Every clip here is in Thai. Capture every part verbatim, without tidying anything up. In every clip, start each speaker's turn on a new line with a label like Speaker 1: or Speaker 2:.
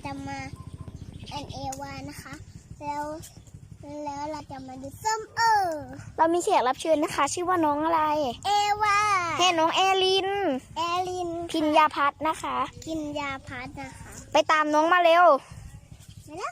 Speaker 1: จะมาแอนเอวานะคะแล้วแล้วเราจะมาดูส้มเออ
Speaker 2: เรามีแขกรับเชิญนะคะ ชื่อว่าน้องอะไร
Speaker 1: เอวา
Speaker 2: แค่น้องแอลิน
Speaker 1: แอลิน
Speaker 2: พิญญาพัฒน์นะคะ
Speaker 1: พิญญาพัฒน์นะคะ
Speaker 2: ไปตามน้องมาเร็ว
Speaker 1: มาแล้ว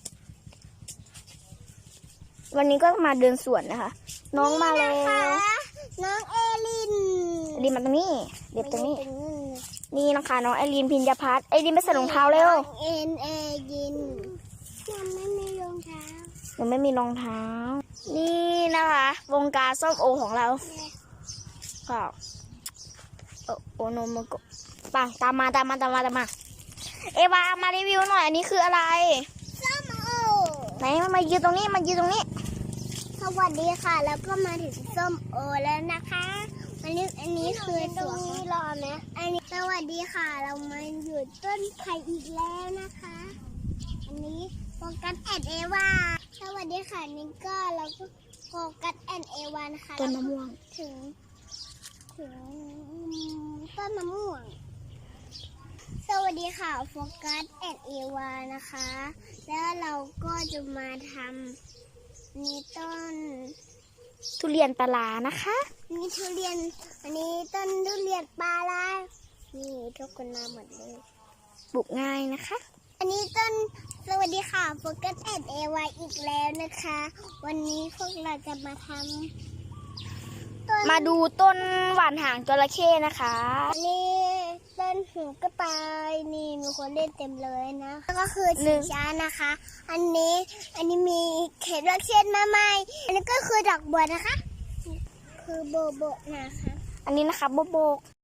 Speaker 2: วันนี้ก็มาเดินสวนนะคะ น้องมาแล้ว
Speaker 1: น้องเอลิน
Speaker 2: เอลินมาตรงนี้เด็บตรงนี้นี่นะคะน้องแอลินพิญญาพัฒน์เอลินไปใส่รองเท้าเร็ว
Speaker 1: เอ็นเอลินยังไม่มีรองเท้า
Speaker 2: ยังไม่มีรองเท้านี่นะคะวงการส้มโอของเราค่ะโอโอโนโมโกะปังตามมาตามมาตามมาตามมาเอวามารีวิวหน่อยอันนี้คืออะไร
Speaker 1: ส้มโอ
Speaker 2: ไหนมายืนตรงนี้มายืนตรงนี้
Speaker 1: สวัสดีค่ะแล้วก็มาถึงส้มโอแล้วนะคะอันนี้อันนี้คือตรงนี้รอไหมอันนี้สวัสดีค่ะเรามาอยู่ต้นไผ่อีกแล้วนะคะอันนี้โฟกัสแอนเอวาสวัสดีค่ะนี่ก็เราก็โฟกัสแอนเอวานะคะ
Speaker 2: ต้นมะม่วง
Speaker 1: ถึงถึงต้นมะม่วงสวัสดีค่ะโฟกัสแอนเอวานะคะแล้วเราก็จะมาทำนี่ต้น
Speaker 2: ทุเรียนปลานะคะ
Speaker 1: นี่ทุเรียนอันนี้ต้นทุเรียนปลาลานี่ทุกคนมาหมดเลย
Speaker 2: ปลูกง่ายนะคะ
Speaker 1: อันนี้ต้นสวัสดีค่ะโฟกัสแอนเอวาอีกแล้วนะคะวันนี้พวกเราจะมาทำ
Speaker 2: มาดูต้นหวานหางจระเข้นะคะ
Speaker 1: อันนี้ต้นหูกระต่ายนี่มีคนเล่นเต็มเลยนะแล้วก็คือชิงช้านะคะอันนี้อันนี้มีเขตรักเช่นมาใหม่อันนี้ก็คือดอกบัวนะคะคือโบโบนะคะ
Speaker 2: อันนี้นะคะโบโบ